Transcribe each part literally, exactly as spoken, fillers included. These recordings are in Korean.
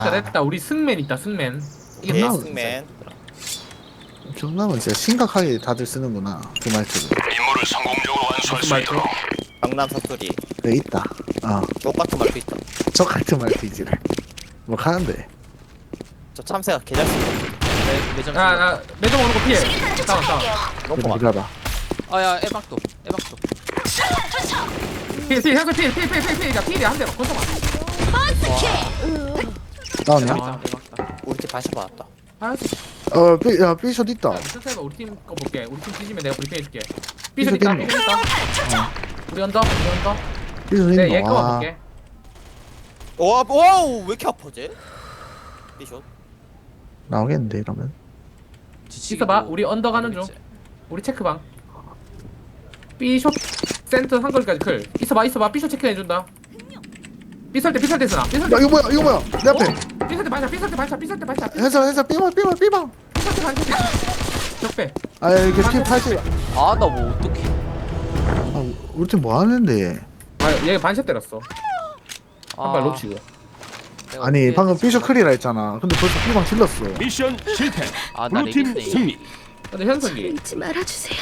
됐다 됐다. 우리 승맨 있다 승맨. 예, 이겼다. 승맨. 경남은 진짜 심각하게 다들 쓰는구나 그 말투를. 임무를 성공적으로 완수할 무슨 수 말투? 있도록 강남 사투리. 네 있다. 어, 똑같은 말도 있다. 저 같은 말투이지를. 뭐 하는데? 저 참새가 개잘 쓰는 매, 매점 야, 야, 매점 오는 거 피해. 다운, 다운. 너무 그래 많아. 기다려. 아야 에박도 에박도 피해, 피해, 현수 피해, 피해, 피해, 피해, 피해. 야, 피해, 한 대로. 건져봐. 나오냐? 아. 에박다 우리 팀 반샷 받았다. 아, 어, 삐, 야 삐숏 있다. 천천히 우리 팀 거 볼게. 우리 팀 뒤지면 내가 브리핑 해줄게. 삐져 삐져 있다, 있네. 삐져 있다. 우리 언더, 우리 언더. 삐숏 네, 있노? 얘 거만 와. 볼게. 와, 와우, 왜 이렇게 아파지? 비숏. 나오겠는데 이러면. 있어봐. 우리 언더 가는 중. 우리 체크방. 삐숏 센터 한 거리까지 클. 있어봐, 있어봐. 삐숏 체크해준다. 삐설 때, 삐설 때 쓰나? 삐설 때. 야 이거 뭐야? 이거 뭐야? 내 앞에. 어? 삐설 때 발차, 삐설 때 발차, 삐설 때 발차. 해서 해서 삐방 삐방 삐방. 삐설 때 발차. 적배. 아 이게 팀 팔십. 아나 뭐 어떡해 아 우리 팀 뭐 하는데? 아, 얘 반샷 때렸어. 한 발 아, 놓치고. 내가 아니 어떻게 방금 했지? 삐숏 클리라 했잖아. 근데 벌써 삐방 질렀어. 미션 실패. 아, 나 블루팀 레깅스 승리. 근데 현석이 잊지 말아주세요.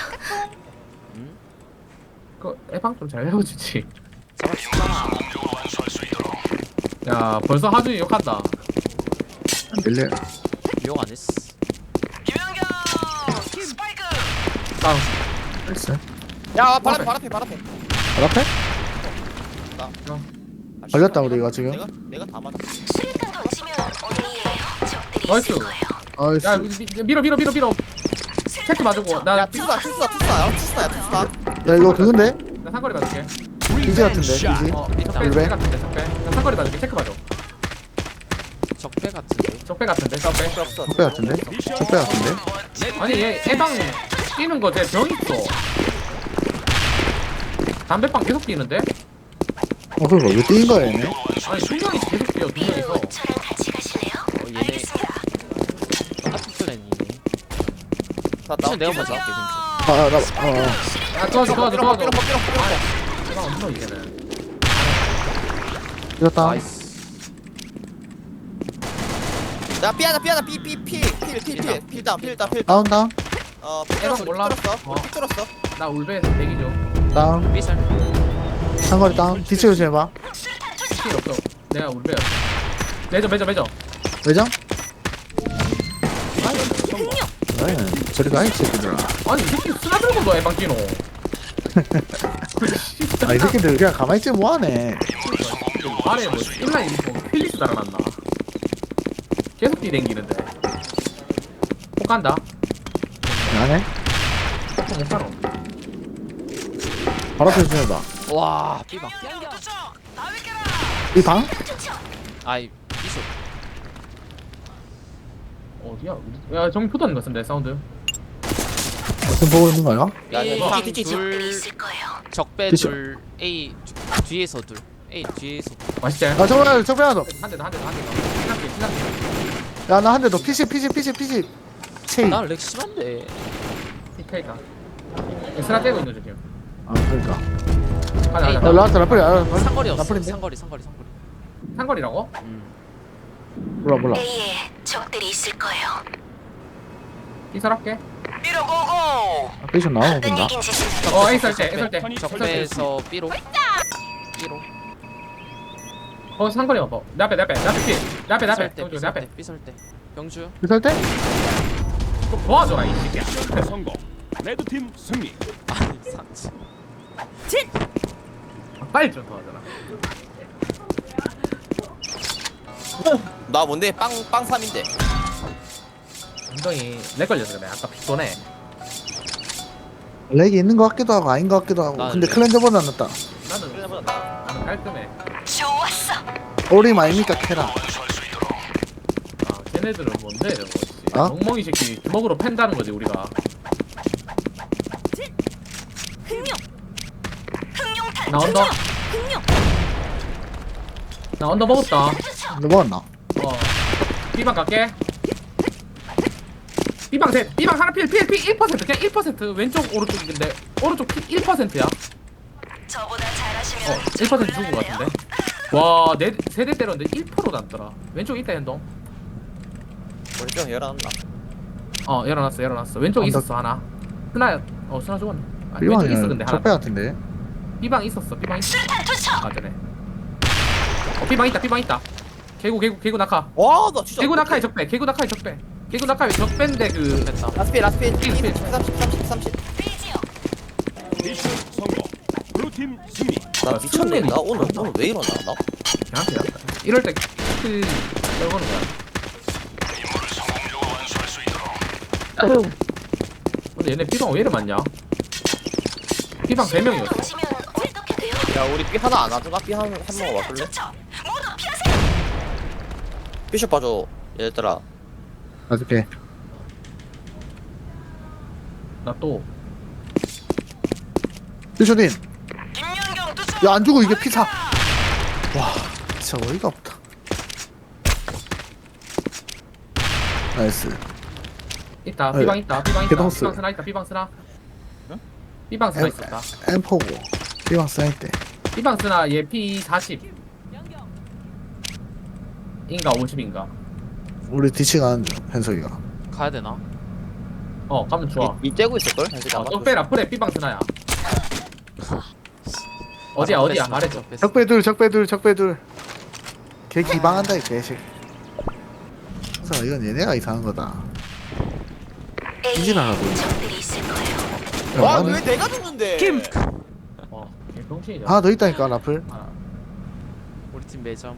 그 해방 좀 잘 해주지. 성공적으로 완수할 수 있도록 야, 벌써 하준이 욕한다. 안 들려. 유용 안 했어 다운. 했어. 야, 발 앞에, 발 앞에, 발 앞에. 발 앞에? 아, 걸렸다, 씨발, 우리가 지금. 내가 내가 다 맞아. 수류탄 던지면 어디에 적들이 나이스. 있을 거예요. 아이씨. 야, 미- 밀어, 밀어, 밀어, 밀어. 체크 맞고. 나, 야, 투수다, 투수다, 투수다, 야, 투수다, 야, 투수다. 야 이거 그건데? 나 상거리 맞을게. 비지 같은데 비지. 어, 적배, 일배? 적배 같은데, 적배. 나 상거리 맞을게. 체크 맞아. 적배 같은데 적배 같은데, 적배. 없어. 적배 같은데? 적배 같은데? 아니, 얘 해방 뛰는 거 쟤 병 있어. 담배빵 계속 뛰는데? 어 그거 왜 뛴 거야 얘네? 아니, 두 명이 계속 뛰어, 두 명이서. 저랑 같이 가실래요? 어 얘네 알겠습니다. 똑같은 플랜이네 나, 나, 미션 내가 먼저 할게 그럼 아나 어. 야, 도와줘, 도와줘, 도와줘. 삐롱, 삐롱, 삐롱, 삐롱. 해방 없어, 이제는. 이겼다. 나이스 야, 삐하다, 삐하다, 삐, 삐, 삐, 필, 필, 필, 필 다운, 필 다운, 필 다운. 다운 다운 어, 해방 삐뚤었어, 몰라. 삐뚤었어, 어. 삐뚤었어. 나 울베 대기 중. 다운. 삐살 상거리 다운. 뒤치 조심해봐. 필 없어. 내가 울베야. 매저, 매저, 매저. 외장? 왜? 저리 가 이 새끼들아. 아니, 이 새끼 쓰나 들고 너 해방 뛰노. 아 이 새끼들 그냥 가만히 있지 뭐하네. 아래 뭐 인라인 뭐 필리스 달아놨나? 계속 뛰댕기는데. 폭 간다. 안해? 폭못 가노. 바로 앞에 조심해봐. 와 삐방 이 방? 아이 삐쇼 어디야? 야, 정비 포도는 것 같은데 사운드. 지금 보고 있는 거야? 야, 야, 삐방 뒤, 뒤, 뒤, 뒤. 둘 있을 거예요. 적배 삐쇼. 둘 A 뒤에서 둘 A 뒤에서 맛있지? 아 저번에 저번에 하나 더. 한 대 더, 한 대 더, 한 대 더. 신났게, 신났게. 야 나 한 대 더. 피시 피시 피시 피시. 체이. 아 난렉 심한데 피케이가. 스나 떼고 있는 중이야. 그러니까. 가자, 에이, 가자. 야 라트 라플이 아 상거리였어 나플인데? 상거리 상거리 상거리 상거리라고? 음. 몰라 몰라. A에 적들이 있을 거예요. 이설할게. 아, 피션 나오는 건가? 이긴 짓은 어, 에이설 때, 에이설 때. 적배에서 B로 B로 어, 상거리 와봐. 내 앞에, 내 앞에, 내 앞에 피. 내 앞에, 내 앞에. 삐설 때 정주, 내 삐설 앞에. 때 삐설 때 병주 비쌀 때? 좀 도와줘라, 이 새끼야. 미션 성공. 레드팀 승리. 아니 상치 빨리 좀 도와줘라. 나 뭔데? 빵, 빵 삼인데. 엉덩이 내 걸려서 그래. 아까 빗도네. 렉이 있는 것 같기도 하고 아닌 것 같기도 하고. 나는 근데 렉. 클렌저보다 낫다. 나는, 그래보다 나. 나는 깔끔해. 좋았어. 오림 아닙니까 캐라. 완수할 수 있도록 아, 걔네들은 뭔데, 이런 거지. 어? 멍멍이 새끼 주먹으로 팬다는 거지, 우리가. 흥룡. 흥룡탄 나 언더. 흥룡. 나 언더 먹었다. 너 먹었나? 어. B방 갈게. B방 셋. B방 하나 필, 필, 필 일 퍼센트. 그냥 일 퍼센트. 왼쪽, 오른쪽인데. 오른쪽 필 일 퍼센트야. 저보다 잘하시면 어, 일 퍼센트 죽은 것 같은데. 와, 네 세대 때렸는데 일 퍼센트도 안 떠라. 왼쪽 있다 현동. 우리 좀 열어놨나? 어, 열어놨어, 열어놨어. 왼쪽 언덕. 있었어 하나. 스나, 어 스나 죽었네. 아, 왼쪽 있어 근데 B방이면 하나. 적배 같은데. B방 있었어, B방 있어. 수류탄 투척. 아, 전에. 어, B방 있다, B방 있다. 개구, 개구, 개구 낙하. 와나 진짜 개구 낙하의 적배, 개구 낙하의 적배. 개구 낙하의 적배인데 그 됐다. 라스피 라스피 삐, 삐. 삼십 삼십 삼십 페이지요. 미션 성공. 블루팀 승리. 나 미쳤네 나 오늘 오늘 왜 이러나 나? 그냥 그냥. 이럴 때그 떨고는 거야. 임무를 성공적으로 완수할 수 있도록. 근데 얘네 B방 왜 이래 많냐? B방 세 명이었어. 던지면 어떻게 돼요? 야 우리 삐 하나 안 와주나? 삐 한 한 명 와줄래? 투척. 모두 피하세요. 삐숍 봐줘 얘들아. 나줄게. 나 또. 삐쇼딘. 김연경 투척. 야 안 죽어 이게 피사. 와 진짜 어이가 없다. 나이스. 있다. 아니, B방 있다. B방 있다. 개동스. B방 스나 있다. B방 스나. 응? B방 스나 엠- 있었다. 엠포고. B방 사이 때. B방 스나 얘 피 사십. 인가 오십인가. 우리 뒤치 가는 중 현석이가. 가야 되나? 어, 가면 좋아. 이, 이 떼고 있을걸? 현석이 어, 아마? 떡배라 프레 B방 스나야. 어디야, 어디야? 말해줘. 적배 둘 적배 둘 적배 둘. 걔 기방한다 이 개식. 그래서 이건 얘네가 이상한 거다. 인지나가고. 적들이 있을 거예요. 와 나는 왜 내가 죽는데? 어, 개병신이야. 하나 더 있다니까 라플. 아, 우리 팀 매점.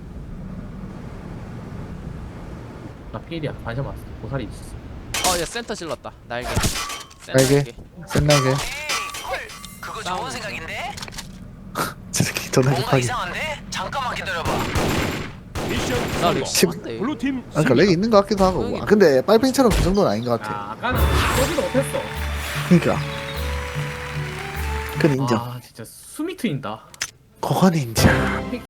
나 필이야. 반샷 맞았어. 고사리 있었어. 어, 야 센터 질렀다. 날개. 날개. 센나게. 그거 좋은 생각인데? 저 새끼 전화 급하게. 이상한데? 잠깐만 기다려봐. 미션 나 성공. 렉 심한데. 블루팀 아, 그러니까 승리. 렉이 있는 것 같기도 하고. 아, 근데 빨팽이처럼 그 정도는 아닌 것 같아. 아, 아까는 쏘지도 못했어. 그러니까. 그건 인정. 아, 진짜 숨이 트인다. 그건 인정.